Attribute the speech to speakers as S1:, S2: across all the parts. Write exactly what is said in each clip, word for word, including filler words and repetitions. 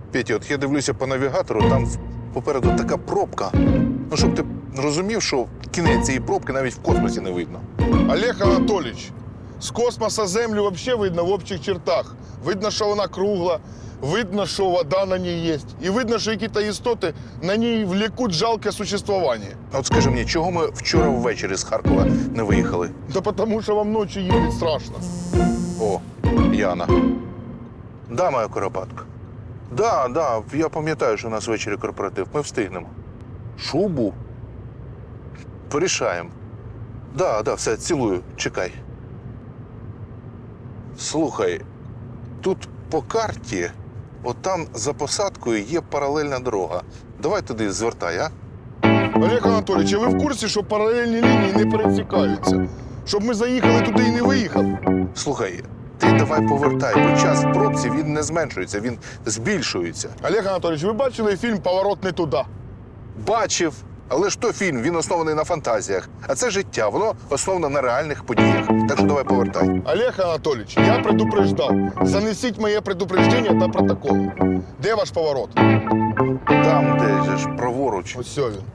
S1: Петя, от я дивлюся по навігатору, там попереду така пробка. Ну, щоб ти розумів, що кінець цієї пробки навіть в космосі не видно.
S2: Олег Анатолійович, з космоса Землю взагалі видно в общих чертах. Видно, що вона кругла, видно, що вода на ній є. І видно, що якісь істоти на ній влекуть жалке существування.
S1: От скажи мені, чого ми вчора ввечері з Харкова не виїхали?
S2: Та тому, що вам ночі їздить страшно.
S1: О, Яна. Да, моя Куропатка. Да, да, я пам'ятаю, що у нас ввечері корпоратив. Ми встигнемо. Шубу? Порішаємо. Да, да, все, цілую, чекай. Слухай, тут по карті, от там за посадкою є паралельна дорога. Давай туди звертай, а?
S2: Олег Анатолійович, а ви в курсі, що паралельні лінії не пересікаються? Щоб ми заїхали туди і не виїхали?
S1: Слухай, ти давай повертай, бо час в пробці, він не зменшується, він збільшується.
S2: Олег Анатолійович, ви бачили фільм «Поворот не туди»?
S1: Бачив. Але ж то фільм, він оснований на фантазіях. А це життя, воно основане на реальних подіях. Так що давай повертай.
S2: Олег Анатолійович, я предупреждав. Занесіть моє предупреждення та протокол. Де ваш поворот?
S1: Там, де же ж праворуч.
S2: Ось сьо він.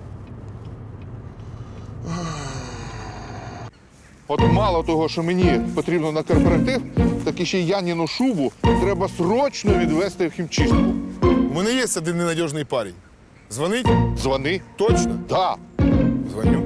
S1: От мало того, що мені потрібно на корпоратив, так і ще й Яніну шубу треба срочно відвезти в хімчистку.
S2: У мене є один ненадіжний парень. Дзвонить?
S1: Дзвони.
S2: Точно?
S1: Да.
S2: Дзвоню.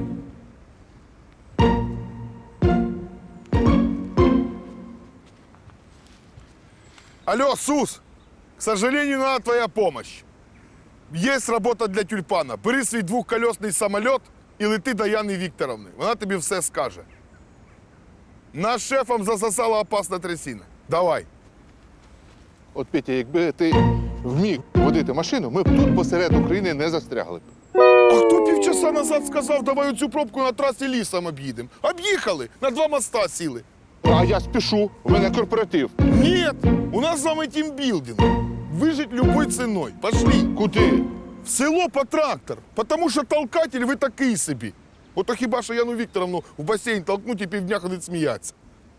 S2: Алло, Сус! К сожалению, надо твоя помощь. Есть работа для тюльпана. Бери свій двохколесний самоліт і лети до Яни Вікторовни. Вона тобі все скаже. Нас шефом засосала опасна трясина. Давай.
S1: От, Петя, якби ти вміг водити машину, ми б тут посеред України не застрягли.
S2: А хто півчаса назад сказав, давай оцю пробку на трасі лісом об'їдемо? Об'їхали, на два моста сіли.
S1: А я спішу, у мене корпоратив.
S2: Нет, у нас с вами тимбилдинг. Выжить любой ценой. Пошли.
S1: Куди?
S2: В село по трактор. Потому що толкатель ви такий собі. Ото хіба що Яну Вікторовну в басейн толкнуть і півдня ходить сміятися.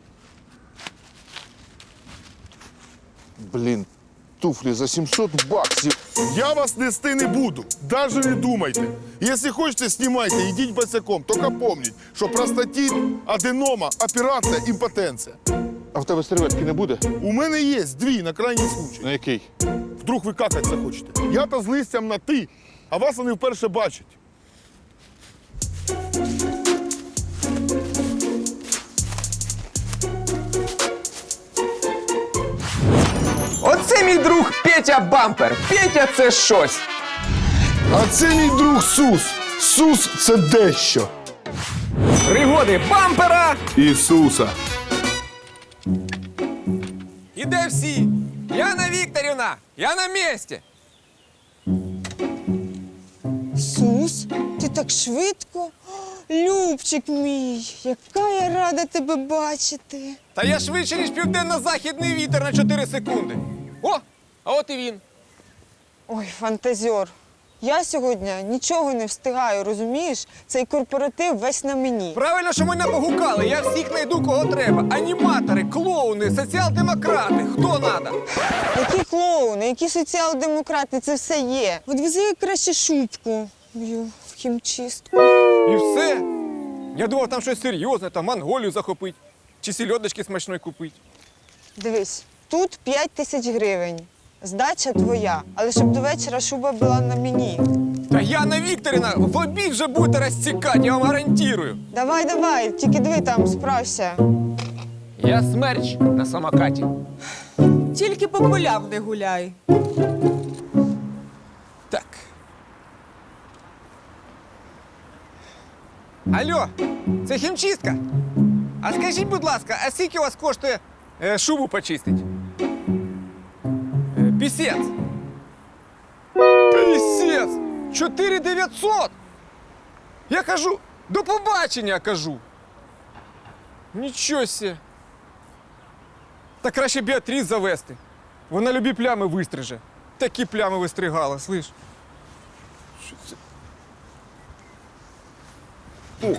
S1: Блін, туфлі за сімсот баксів.
S2: Я вас нести не буду. Даже не думайте. Якщо хочете, знімайте, йдіть босяком. Тільки помніть, що простатит, аденома, операція, імпотенція.
S1: А в тебе серветки не буде?
S2: У мене є дві на крайній случай.
S1: На який?
S2: Вдруг ви какать захочете. Я-то з листям на ти, а вас вони вперше бачать.
S3: Оце мій друг Петя Бампер. Петя – це щось.
S2: А це мій друг Сус. Сус – це дещо.
S3: Пригоди бампера.
S2: Ісуса.
S3: І де всі? Яна Вікторівна, я на місці.
S4: Сус, ти так швидко? О, Любчик мій, яка я рада тебе бачити.
S3: Та я швидше, ніж південно-західний вітер на чотири секунди. О, а от і він.
S4: Ой, фантазер. Я сьогодні нічого не встигаю, розумієш? Цей корпоратив весь на мені.
S3: Правильно, що мене погукали. Я всіх знайду, кого треба. Аніматори, клоуни, соціал-демократи. Хто надо?
S4: Які клоуни, які соціал-демократи, це все є. От вези краще шубку мою в хімчистку.
S3: І все. Я думав, там щось серйозне, там Монголію захопить. Чи сільодочки смачної купить.
S4: Дивись, тут п'ять тисяч гривень. Здача твоя, але щоб до вечора шуба була на мені.
S3: Та Яна Вікторівна, в обід вже будете розтікати, я вам гарантую.
S4: Давай, давай, тільки диви там, справся.
S3: Я смерч на самокаті.
S5: Тільки по полям не гуляй.
S3: Так. Алло, це хімчистка? А скажіть, будь ласка, а скільки у вас коштує е, шубу почистить? Е, пісець. Пісець! чотири дев'ятсот! Я кажу, до побачення, кажу. Нічого сє. Та краще Біатріс завести. Вона любі плями вистриже. Такі плями вистригала, слиш? Що це? Ух.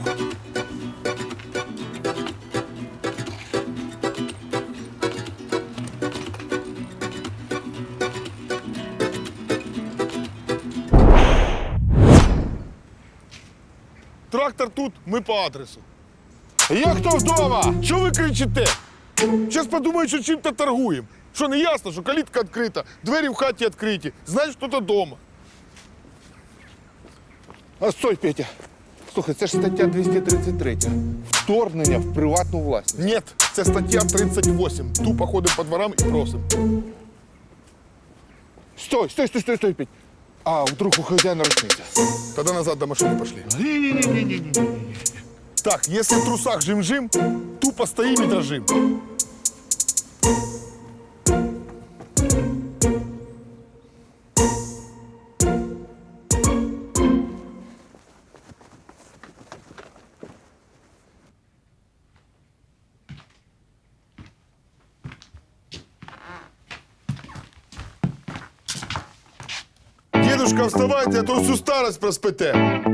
S2: Трактор тут, ми по адресу.
S1: Є хто вдома?
S2: Що ви кричите? Зараз подумають, що чим-то торгуємо. Що не ясно, що калітка відкрита, двері в хаті відкриті, значить, хтось вдома.
S1: А стой, Петя. Слухай, це ж стаття двісті тридцять три. Вторгнення в приватну власність.
S2: Ні, це стаття тридцять вісім. Тупо ходимо по дворам і просимо.
S1: Стой, стой, стой, стой, стой, Петь. А вдруг у хазяїна рушниця?
S2: Тоді назад до машини пішли.
S1: Ні-ні-ні-ні-ні.
S2: Так, якщо в трусах жим-жим, тупо стоїмо і дрожим. Дедушка, вставайте, а то всю старость проспите.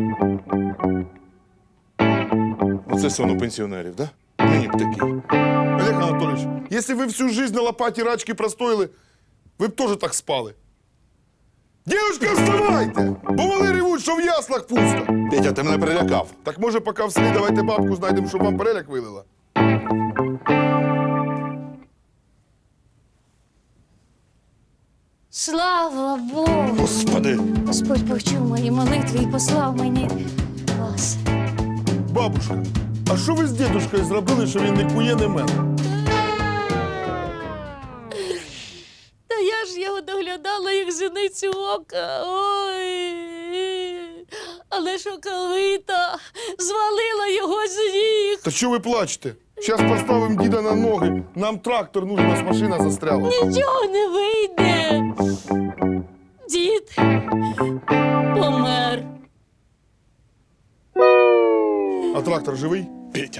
S1: Оце сон у пенсіонерів, да? Мені б такий.
S2: Олег Анатольевич, если вы всю жизнь на лопате рачки простояли, ви б теж так спали. Дівчинка, вставайте! Бо вони ревуть, що в яслах пусто.
S1: Петя, ти мене перелякав.
S2: Так може, поки в селі давайте бабку знайдемо, щоб вам переляк вилила.
S6: Слава Богу!
S1: Господи.
S6: Господь почув мої молитви і послав мені вас.
S2: Бабушка, а що ви з дідушкою зробили, що він не кує, не мене?
S6: Та я ж його доглядала, як зіницю ока. Ой. Але шоковита звалила його з ніг.
S2: Та що ви плачете? Зараз поставимо діда на ноги. Нам трактор нужен, нас машина застряла.
S6: Нічого не вийде. Дід помер.
S2: А трактор живий?
S1: Петя.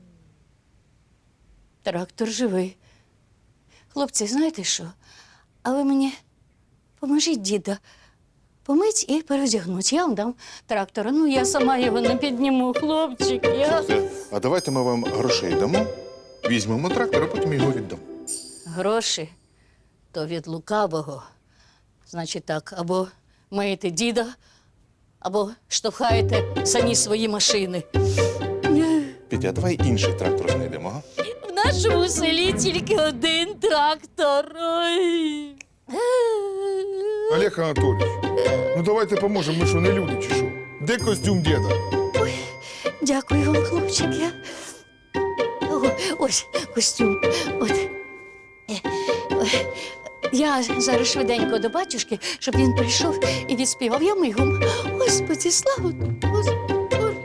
S6: Трактор живий. Хлопці, знаєте що? А ви мені поможіть діда помить і переодягнуть. Я вам дам трактора. Ну, я сама його не підніму, хлопчик. Я...
S1: Це, а давайте ми вам грошей дамо, візьмемо трактор, а потім його віддамо.
S6: Гроші то від лукавого. Значить так, або миєте діда, або штовхаєте самі свої машини.
S1: Петя, а давай інший трактор знайдемо, ага?
S6: В нашому селі тільки один трактор. Ой.
S2: Олег Анатольевич, ну давайте поможемо, ми що, не люди чи що? Де костюм діда?
S6: Дякую вам, хлопчик. Я... О, ось костюм. От. Е, е, Я зараз швиденько до батюшки, щоб він прийшов і відспівав. Я мигом. Господи, слава тобі, Господи.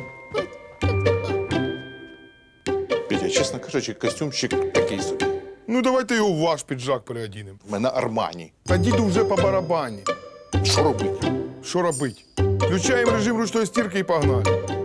S1: Петя, чесно кажучи, костюмчик такий собі.
S2: Ну давайте його в ваш піджак переодінемо.
S1: У мене Армані.
S2: Та діду вже по барабані.
S1: Що робити?
S2: Що робить? Включаємо режим ручної стірки і погнали.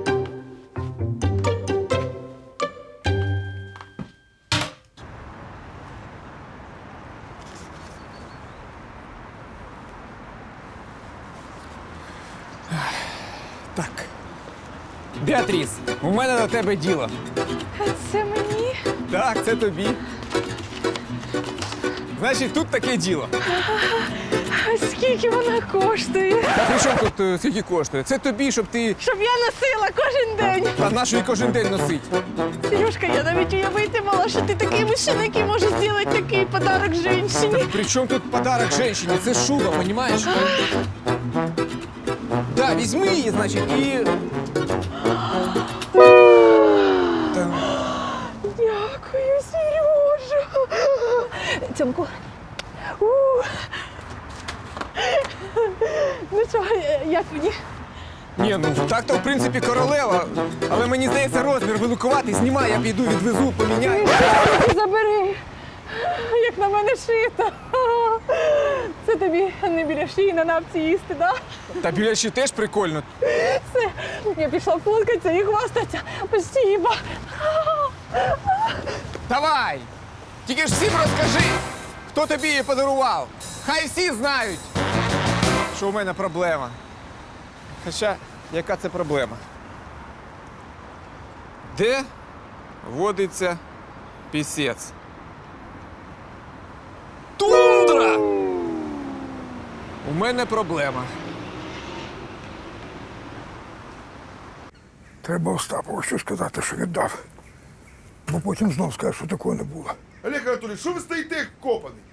S3: Так. Біатріс, у мене до тебе діло.
S4: Це мені?
S3: Так, це тобі. Значить, тут таке діло.
S4: Скільки вона коштує?
S3: Та при чому тут е, скільки коштує? Це тобі, щоб ти
S4: Щоб я носила кожен день.
S3: а нашу і кожен день носить.
S4: Сережка, я навіть уявити мала, що ти такий мужчина, який може зробити такий подарок жінці.
S3: При чому тут подарок жінці? Це шуба, розумієш? Да, візьми її, значить, і. Та,
S4: Дякую, Сережа. Цьомку. У. Ну що, як мені?
S3: ні, ну так-то в принципі королева, але мені здається розмір великуватий. Знімай, я піду, відвезу, поміняю.
S4: Забери, як на мене шито. Це тобі не біля шиї на напці їсти, да?
S3: Та біля ще теж прикольно.
S4: Все, я пішла фоткатися і хвастатися. Спасибо.
S3: Давай! Тільки ж всім розкажи, хто тобі її подарував. Хай всі знають, що у мене проблема. Хоча, яка це проблема? Де водиться пісець? Тундра! У мене проблема.
S7: Треба Остапову що сказати, що віддав. Бо потім знов скаже, що такого не було.
S2: Олег Анатолійович, що ви стоїте як копаний?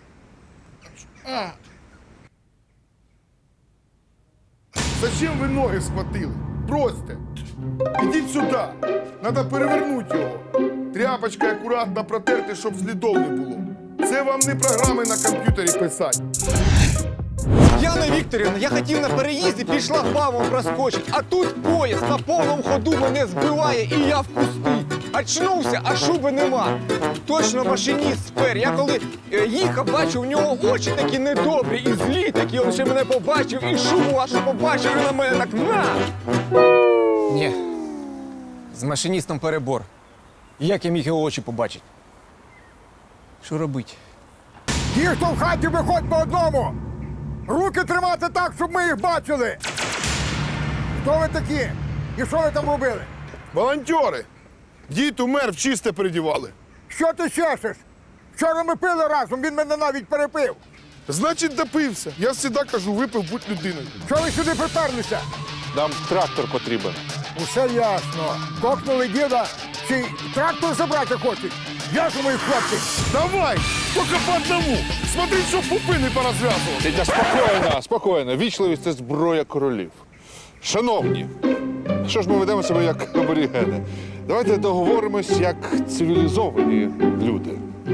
S2: Зачем ви ноги схватили? Бросьте. Ідіть сюди. Надо перевернути його. Тряпочкою акуратно протерти, щоб слідов не було. Це вам не програми на комп'ютері писати.
S3: Яна Вікторівна, я хотів на переїзді, пішла бабом проскочить, а тут поїзд на повному ходу мене збиває і я в кусти. Очнувся, а шуби нема. Точно машиніст спер. Я коли е, їхав, бачив, у нього очі такі недобрі і злі такі. Він ще мене побачив і шубу вашу побачив, і на мене так на. Ні, з машиністом перебор. Як я міг його очі побачити? Що робити?
S7: Ті, хто в хаті, виходь по одному! Руки тримати так, щоб ми їх бачили! Хто ви такі? І що ви там робили?
S2: Волонтери! Дід умер, в чисте передівали.
S7: Що ти чешеш? Вчора ми пили разом, він мене навіть перепив.
S2: Значить, допився. Я завжди кажу, випив, будь людиною.
S7: Чого ви сюди приперлися?
S1: Нам трактор потрібен.
S7: Усе ясно. Кокнули діда, чи й трактор забрати хочуть? Я ж мої хлопці.
S2: Давай! Тільки по одному! Смотри, щоб пупи не порозв'язували.
S1: Тетя, спокійно, спокійно. Вічливість – це зброя королів. Шановні, що ж ми ведемо себе як аборігени? Давайте договоримось як цивілізовані люди.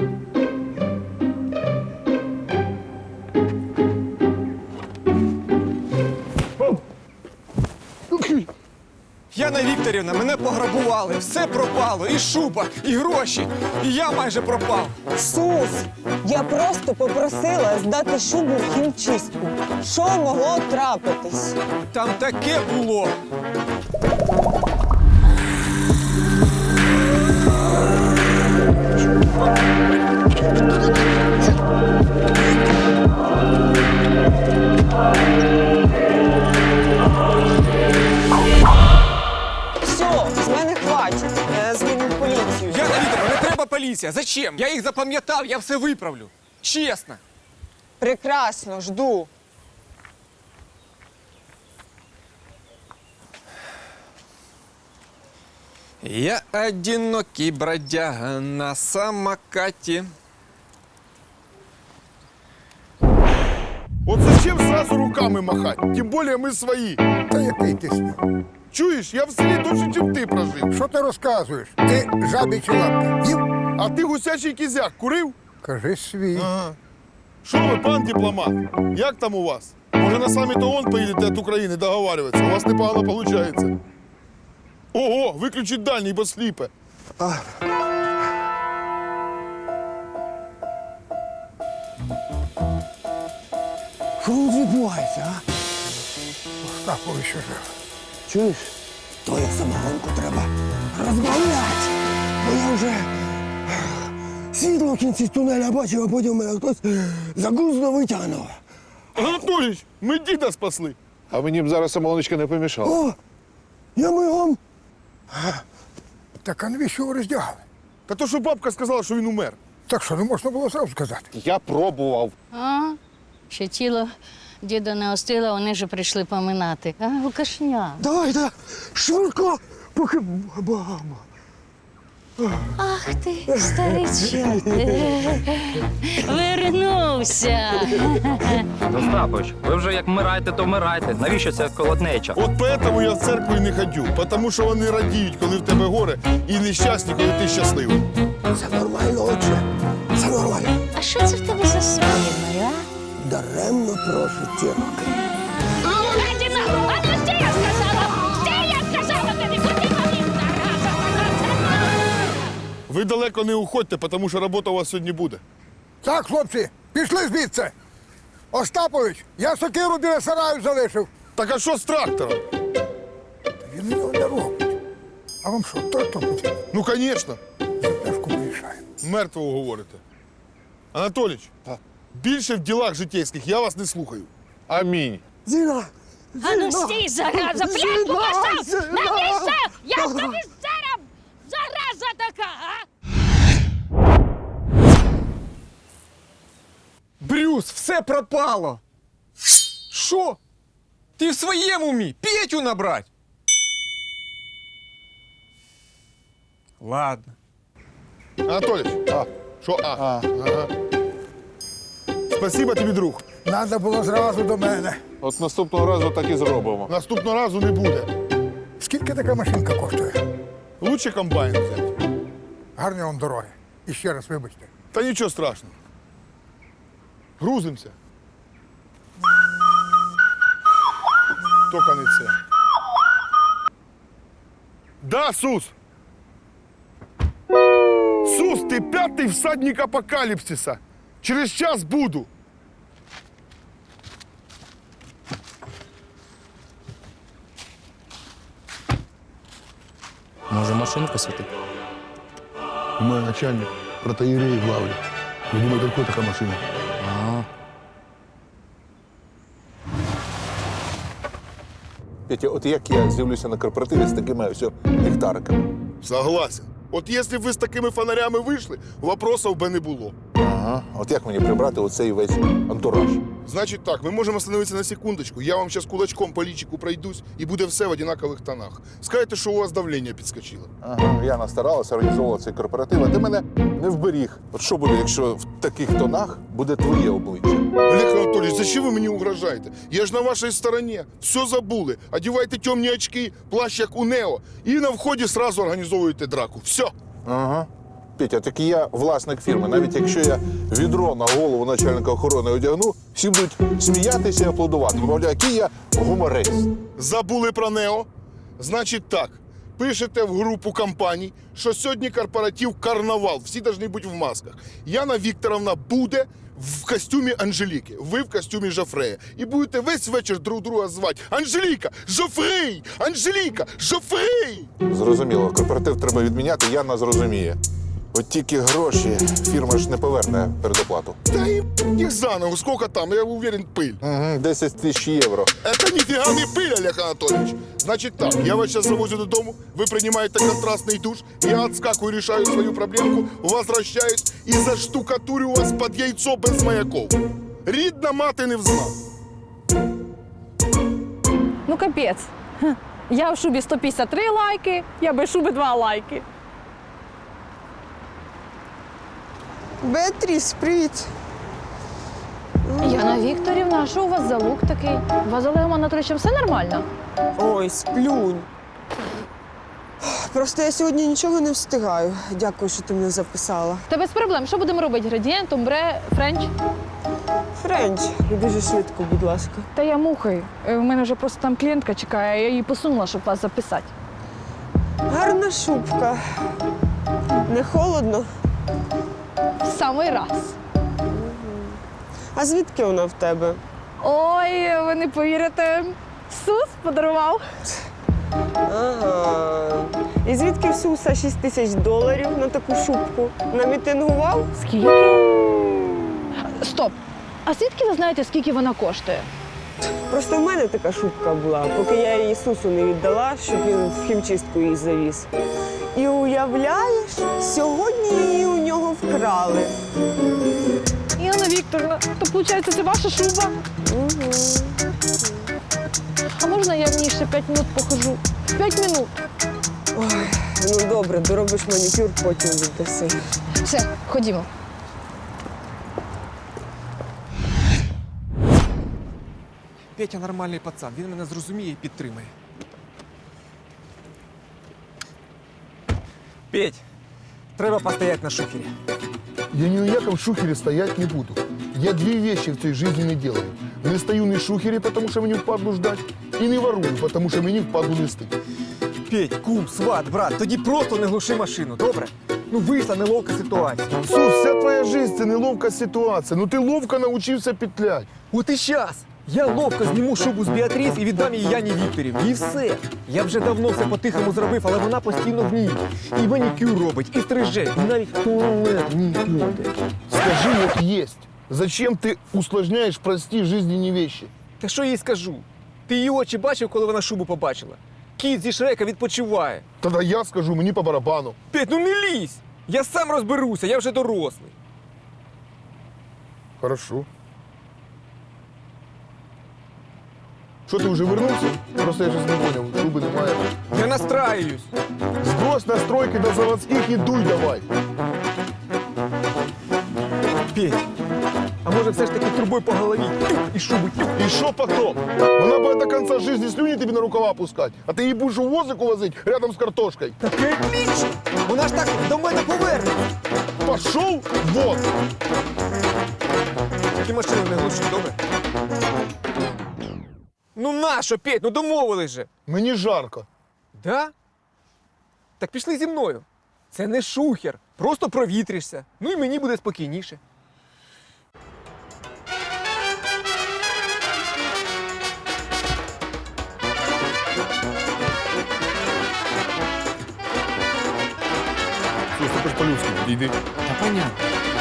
S3: Яна Вікторівна, мене пограбували, все пропало, і шуба, і гроші, і я майже пропав.
S4: Сус, я просто попросила здати шубу в хімчистку. Що могло трапитись?
S3: Там таке було.
S4: Все, з мене хватить. Я дзвоню в поліцію.
S3: Яна Вікторівна, не треба поліція. Зачем? Я їх запам'ятав, я все виправлю. Чесно.
S4: Прекрасно, жду.
S3: Я одинокий бродяга на самокаті.
S2: От зачем сразу руками махать? Тим більше ми свої.
S7: Та який ти сняв?
S2: Чуєш, я в селі довше, чим ти прожив.
S7: Що ти розказуєш? Ти жабічі лапки їв?
S2: А ти гусячий кізяк курив?
S7: Кажи свій.
S2: Ага. Що ви, пан дипломат? Як там у вас? Може, на саміт ООН поїдете від України договарюватися? У вас непогано виходить. Ого, виключіть дальній, бо сліпе.
S7: Що тут відбувається, а? Остапович що жив.
S8: Чуєш? То як самогонку треба розбавляти. Бо я вже світло в кінці тунеля бачив, а потім мене хтось загузно витягнув.
S2: Анатолійович, ми діда спасли.
S1: А мені б зараз самогоночка не помішала.
S8: О, я мигом.
S7: Так а навіщо ви роздягали?
S2: Та то, що бабка сказала, що він умер.
S7: Так що не можна було зразу сказати?
S1: Я пробував.
S6: А, ще тіло діда не остило, вони вже прийшли поминати. А, Лукашня.
S8: Давай, да, швидко, поки баба.
S6: Ах ти, старичок. Вернувся.
S9: Остапович, ви вже як вмираєте, то вмирайте. Навіщо ця колотнеча?
S2: От поэтому я в церкву і не ходю. Тому що вони радіють, коли в тебе горе, і нещасні, коли ти щасливий.
S8: Це нормально, отче. Це нормально.
S6: А що це в тебе за спиною, а?
S8: Даремно прошу ті роки.
S6: Гадіна! А ну стій, я сказала! Стій, я сказала тобі! Куди мені, зараза,
S2: Ви далеко не уходьте, тому що робота у вас сьогодні буде.
S7: Так, хлопці, пішли звідси. Остапович, я сокиру біля сараю залишив.
S2: Так а що з трактором?
S7: Він його не робить. А вам що, трактор потрібен?
S2: Ну, звісно.
S7: За пляшку вирішаємо.
S2: Мертвого говорите. Анатолійович, більше в ділах житейських я вас не слухаю.
S1: Амінь.
S8: Зіна,
S6: А ну стій, зараза! Пляшку поставь! Навіщо? Я ж тобі зараз зараза така, а?
S3: Брюс, все пропало. Що? Ти в своєму умі? Петю набрать? Ладно.
S2: Анатолій,
S1: А,
S2: що а? Ага. Спасибо тобі, друг.
S7: Надо було зразу до мене.
S1: от наступного разу так і зробимо.
S2: Наступного разу не буде.
S7: Скільки така машинка коштує?
S2: Лучше комбайн взяти.
S7: Гарні вам дороги. І ще раз вибачте.
S2: Та нічого страшного. Грузимося. Тільки не це. Да, Сус! Сус, ти п'ятий всадник апокаліпсиса. Через час буду.
S9: Може, машинку світити?
S2: У мене начальник протоієреї главлі. Ви думаєте, яка така машина?
S1: Петя, от як я з'явлюся на корпоративі з такими ось ліхтариками?
S2: Согласен. От якщо б ви з такими фонарями вийшли, вопросів би не було.
S1: Ага. От як мені прибрати оцей весь антураж?
S2: Значить так, ми можемо остановитися на секундочку. Я вам зараз кулачком по лічику пройдусь, і буде все в однакових тонах. Скажете, що у вас давлення підскочило.
S1: Ага, я настаралася, організовувала цей корпоратив, а ти мене не вберіг. От що буде, якщо в таких тонах буде твоє обличчя?
S2: Олег Анатолійович, зачем ви мені угрожаєте? Я ж на вашій стороні. Все забули. Одівайте темні очки, плащ як у Нео, і на вході сразу організовуєте драку. Все.
S1: Ага. Петя, так і я власник фірми. Навіть якщо я відро на голову начальника охорони одягну, всі будуть сміятися і аплодувати. Мовляв, який я гуморист.
S2: Забули про Нео? Значить так. Пишете в групу компаній, що сьогодні корпоратив «Карнавал». Всі повинні бути в масках. Яна Вікторовна буде в костюмі Анжеліки, ви в костюмі Жофрея. І будете весь вечір друг друга звати. Анжеліка! Жофрей! Анжеліка! Жофрей!
S1: Зрозуміло, корпоратив треба відміняти, Яна зрозуміє. От тільки гроші фірма ж не поверне передоплату.
S2: Та і їх заново, скільки там, я уверен, пиль.
S1: Угу, десять тисяч євро.
S2: Это нифига не пыль, Олег Анатольевич. Значит так, я вас сейчас завозю додому, вы принимаете контрастный душ, я отскакиваю, решаю свою проблемку, возвращаюсь и заштукатурю вас под яйцо без маяков. Рідна мати не взнав.
S10: Ну, капець. Хм. Я в шубі сто п'ятдесят три лайки, я без шуби два лайки.
S4: Беатріс, привіт.
S10: Яна Вікторівна, а що у вас за лук такий? У вас з Олегом Анатолійовичем все нормально?
S4: Ой, сплюнь. Просто я сьогодні нічого не встигаю. Дякую, що ти мене записала.
S10: Та без проблем. Що будемо робити? Градієнт, омбре, френч?
S4: Френч, і дуже швидко, будь ласка.
S10: Та я мухаю. У мене вже просто там клієнтка чекає, я її посунула, щоб вас записати.
S4: Гарна шубка. Не холодно?
S10: В самий раз.
S4: А звідки вона в тебе?
S10: Ой, ви не повірите. Сус подарував.
S4: Ага. І звідки в Суса шість тисяч доларів на таку шубку? Намітингував?
S10: Скільки? Стоп. А звідки ви знаєте, скільки вона коштує?
S4: Просто в мене така шубка була, поки я її Сусу не віддала, щоб він в хімчистку її завіз. І уявляєш, сьогодні її у нього вкрали.
S10: Яна Вікторівна, то виходить, це ваша шуба?
S4: Угу.
S10: А можна я в ній ще п'ять минут похожу? П'ять минут.
S4: Ой, ну добре, доробиш манікюр, потім віддаси.
S10: Все, ходімо.
S3: Петя нормальний пацан, він мене зрозуміє і підтримає. Петь, треба постояти на шухері.
S2: Я ні у якому шухері стоять не буду. Я дві вещи в цій житті не делаю. Не стою на шухері, тому що мені впадлу ждать, і не ворую, тому що мені впадлу нести.
S3: Петь, кум, сват, брат, тоді просто не глуши машину, добре? Ну вийшла неловка ситуація.
S2: Сус, вся твоя життя – це неловка ситуація. Ну ти ловко навчився петлять.
S3: От і щас! Я ловко зніму шубу з Біатріс і віддам її Яні Вікторівні. І все. Я вже давно все по-тихому зробив, але вона постійно в ній. І манікюр робить, і стриже, і навіть в туалет не ходить.
S2: Скажи, як єсть. Зачем ти усложняєш прості жизненні вещи?
S3: Та що їй скажу? Ти її очі бачив, коли вона шубу побачила? Кіт зі Шрека відпочиває.
S2: Тоді я скажу, мені по барабану.
S3: Петь, ну не лізь! Я сам розберуся, я вже дорослий.
S2: Хорошо. Що ти вже вернувся? Просто я щось не поняв, шуби немає.
S3: Я настраюсь.
S2: Сбрось настройки до заводських і дуй давай.
S3: Петь, а може все ж таки трубою по голові і шуби.
S2: І що потом? Вона буде до кінця життя слюні тобі на рукава пускати, а ти її будеш у возику возити рядом з картошкою.
S3: Таке отлично! Вона ж так до мене поверне.
S2: Пошов вон!
S3: Ти машину не глуши, добре? Ну нащо, Петь, ну домовились же.
S2: Мені жарко.
S3: Да? Так пішли зі мною. Це не шухер. Просто провітришся. Ну і мені буде спокійніше.
S2: Слухай, ти ж по-людськи підійди.
S3: Та понятно.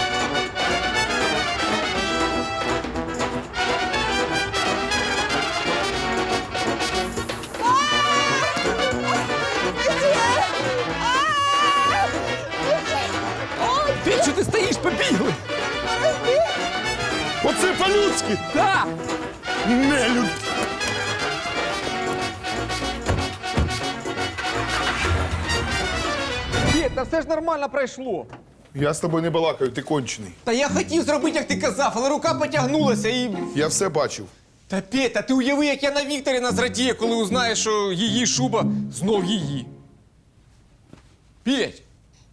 S3: Петь, що ти стоїш? Побігли!
S2: Оце по-людськи!
S3: Так!
S2: Нелюд!
S3: Петь, та все ж нормально пройшло.
S2: Я з тобою не балакаю, ти кончений.
S3: Та я хотів зробити, як ти казав, але рука потягнулася і.
S2: Я все бачив.
S3: Та Петь, та ти уяви, як я на Вікторіна зрадіє, коли узнає, що її шуба знов її. Петь!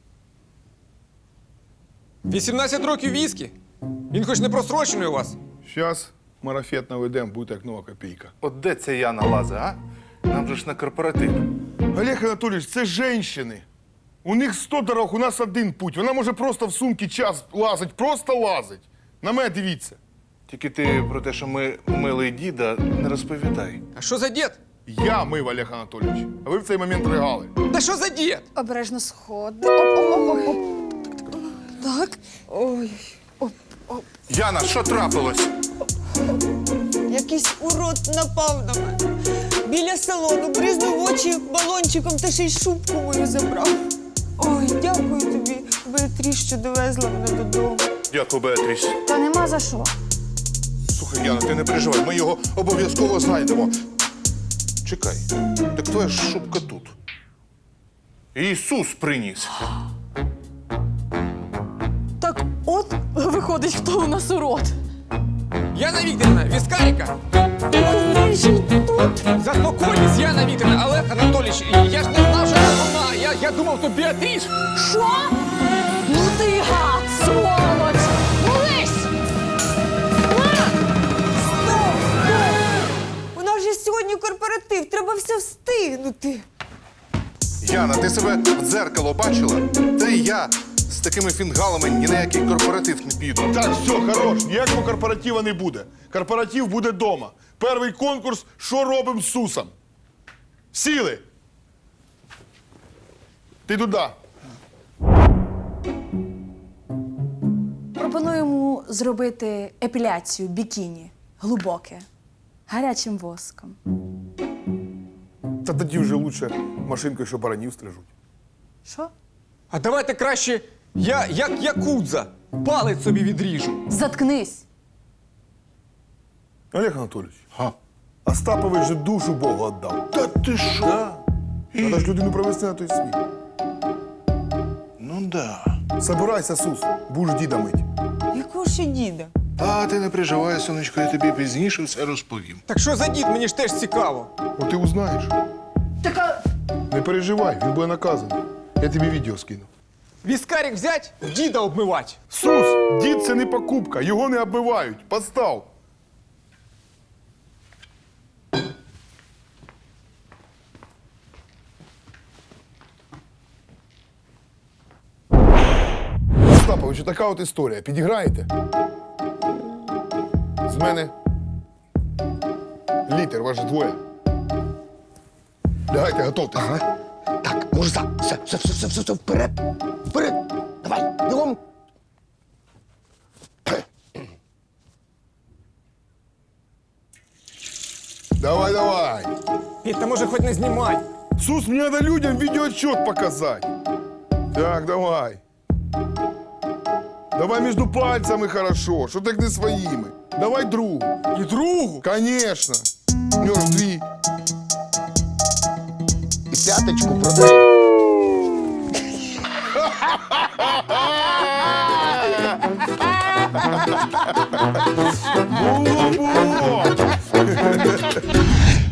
S3: вісімнадцять років віскі? Він хоч не просрочений у вас?
S2: Щас марафет наведем, буде як нова копійка.
S1: От де ця Яна лазить, а? Нам же ж на корпоратив.
S2: Олег Анатолійович, це жінки. У них сто дорог, у нас один путь. Вона може просто в сумки час лазить, просто лазить. На мене дивіться.
S1: Тільки ти про те, що ми мили діда, не розповідай.
S3: А що за дід?
S2: Я мив, Олег Анатолійович, а ви в цей момент ригали.
S3: Та що за дід?
S10: Обережно сходи. Оп-оп-оп-оп. Так.
S4: Ой,
S1: Яна, що трапилось?
S4: якийсь урод напав на мене. Біля салону бризнув в очі балончиком та ще й шубку мою забрав. Ой, дякую тобі, Беатріс, що довезла мене додому.
S1: Дякую, Беатріс.
S10: Та нема за що.
S1: Слухай, Яна, ти не переживай, ми його обов'язково знайдемо. Чекай, так твоя ж шубка тут. Ісус приніс.
S10: Так от виходить, хто у нас урод.
S3: Яна Вікторівна, віскаріка!
S10: Тут.
S3: Заспокойтесь, Яна Вікторівна, Олег Анатолійович, я ж не знав, що це вона. Я, я думав, то Біатріс.
S10: Що? Ну ти гад, сволоч! Молись!
S4: У нас же сьогодні корпоратив, треба все встигнути.
S1: Яна, ти себе в дзеркало бачила? Та й я з такими фінгалами ні на який корпоратив не піду.
S2: Так, все, хорош, ніякого корпоратива не буде. Корпоратив буде вдома. Перший конкурс «Що робимо з Сусом?» Сіли! Ти туди.
S11: Пропонуємо зробити епіляцію бікіні. Глибоке. Гарячим воском.
S2: Та тоді вже лучше машинкою, що баранів стрижуть.
S11: Що?
S3: А давайте краще я, як якудза, палець собі відріжу.
S11: Заткнись.
S2: Олег Анатолійович,
S1: Га?
S2: Остапович же душу Богу віддав.
S1: Та ти що?
S2: Да. Треба ж людину провести на той світ.
S1: Ну да.
S2: Собирайся, Сус, будеш діда мить.
S4: Якого ще діда?
S1: А ти не переживай, сонечко, я тобі пізніше все розповім.
S3: Так що за дід, мені ж теж цікаво.
S2: От ти узнаєш.
S11: Така.
S2: Не переживай, він буде наказаний. Я тобі відео скину.
S3: Віскарик взять, діда обмивать.
S2: Сус, дід це не покупка, його не оббивають. Постав. Остапович, така от історія. Підіграєте? З мене літер, ваш двоє. Давайте, готовтеся.
S8: Ага. Так, мужза, все, все, все, все, все, все, вперед, вперед. Давай, бігом.
S2: Давай, давай.
S3: Петь, та може хоч не знімай.
S2: Сус, мне надо людям видеоотчет показать. Так, давай. Давай между пальцами хорошо, что так не своими. Давай другу.
S3: І другу.
S2: Конечно. У нього ж дві. І п'яточку продай. Було, було.